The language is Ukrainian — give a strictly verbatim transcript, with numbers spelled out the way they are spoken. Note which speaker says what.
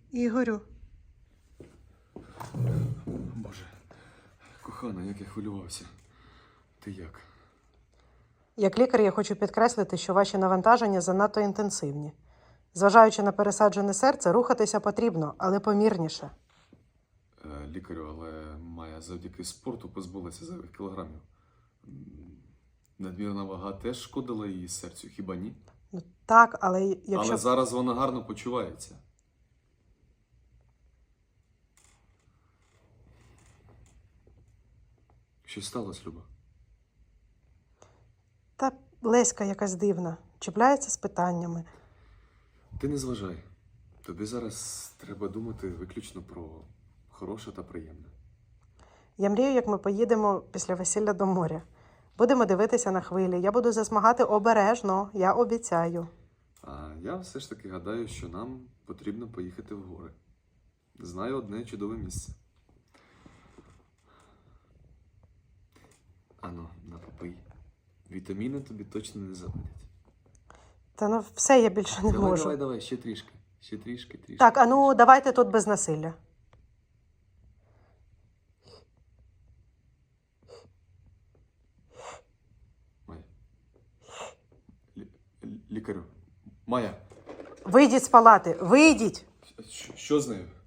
Speaker 1: Ігорю.
Speaker 2: Боже, кохана, як я хвилювався. Ти як?
Speaker 1: Як лікар я хочу підкреслити, що ваші навантаження занадто інтенсивні. Зважаючи на пересаджене серце, рухатися потрібно, але помірніше.
Speaker 2: Е, лікарю, але Майя завдяки спорту позбулася зайвих кілограмів. М, Надмірна вага теж шкодила її серцю, хіба ні?
Speaker 1: Ну, так, але якщо...
Speaker 2: Але зараз вона гарно почувається. Що сталося, Люба?
Speaker 1: Та Леська якась дивна, чіпляється з питаннями.
Speaker 2: Ти не зважай. Тобі зараз треба думати виключно про хороше та приємне.
Speaker 1: Я мрію, як ми поїдемо після весілля до моря. Будемо дивитися на хвилі. Я буду засмагати обережно, я обіцяю.
Speaker 2: А я все ж таки гадаю, що нам потрібно поїхати в гори. Знаю одне чудове місце. Ану, на попий. Вітаміни тобі точно не завадять.
Speaker 1: Та ну все, я більше не
Speaker 2: Давай,
Speaker 1: можу.
Speaker 2: давай, давай, ще трішки. Ще трішки, трішки.
Speaker 1: Так, а ну давайте тут без насилля.
Speaker 2: Майя. Лі- лі- Лікарю. Майя,
Speaker 1: Вийдіть з палати, вийдіть!
Speaker 2: що, що з нею?